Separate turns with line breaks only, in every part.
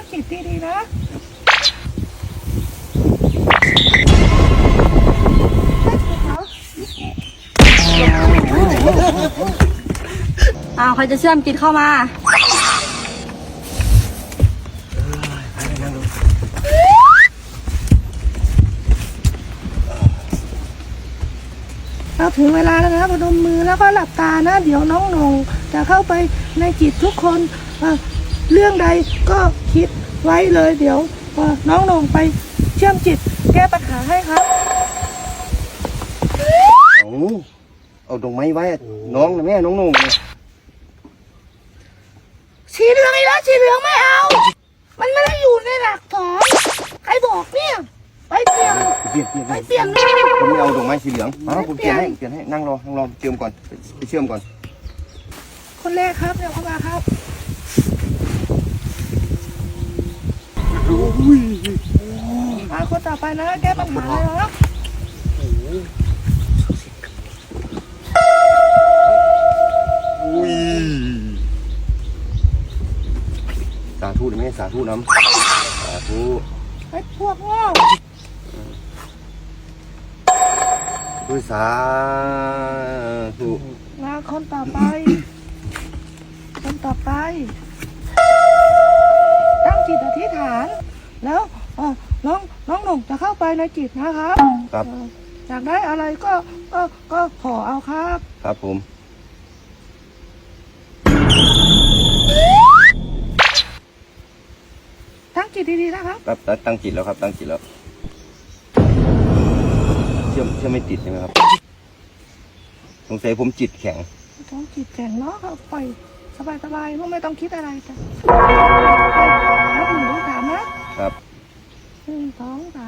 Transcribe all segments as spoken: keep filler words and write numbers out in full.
จิตดีๆนะ
อ้าวใครจะเชื่อมจิตเข้ามา
เราถึงเวลาแล้วนะพนมมือแล้วก็หลับตานะเดี๋ยวน้องหนงจะเข้าไปในจิตทุกคนเอ่อเรื่องใดก็คิดไว้เลยเดี๋ยวเอ่อน้องหนงไปเชื่อมจิตแก้ปัญหาให้ครับ
เอาเอาดอกไม้ไว้น้องนะแม่น้องนุ่ง
สีเหลืองอีกแล้วสีเหลืองไม่เอา มันไม่ได้อยู่ในหลักสอนใครบอกเนี่ยไปเปลี่ยน
เปลี่ยนเปลี่ยน
ไปเปลี่ยน
ผมไม่เอาดอกไม้สีเหลืองเอาผมเปลี่ยนให้เปลี่ยนให้นั่งรอนั่งรอเชื่อมก่อนไปเชื่อมก่อน
คนแรกครับเดี๋ยวเข้ามาครับมาคนต่อไปนะแก้ปัญหาเลยนะ
อุ้ยสาธุนะแม่สาธุน้ำสาธุ
ไอ้พวกโง่
ด้วยสาธุ
มาคนต่อไป คนต่อไป ตั้งจิตอธิษฐาน แล้วเอ่อน้องน้องหนุ่มจะเข้าไปในจิตนะครับ
ครับ
เอ่ออยากได้อะไรก็ก็ก็ขอเอาครับ
ครับผม
ตั้งจิตดีๆนะครับ
ครับตั้งจิตแล้วครับตั้งจิตแล้วเชื่อมเชื่อมไม่ติดใช่ไหมครับสงสัยผมจิตแข็ง
ต้องจิตแข็งเนาะครับปล่อยสบายๆเพราะไม่ต้องคิดอะไรจ้ะนับหนึ่งถึงสามนะครับ หนึ่งสองสาม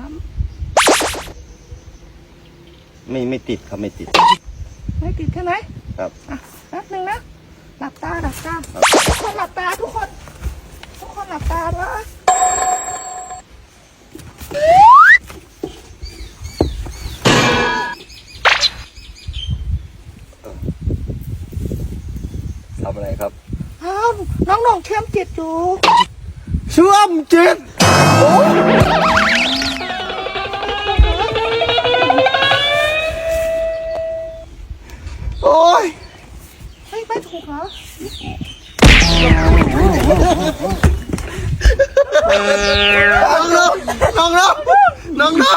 ไม่ไม่ติดครับไม่ติด
ไม่ติดใช่ไหม
ครับ
อ่ะแป๊บหนึ่งนะหลับตาหลับตา
ครับ
ทุกคนหลับตาทุกคน ทุกคนหลับตาด้วย
ทำอะไรครับ
อ้าวน้องหน่องเชื่อมจิตอยู่
เชื่อมจิตโอ้ย
เฮ้ยไม่ถูกเหรอ
น้องน้องน้องน้องน้อง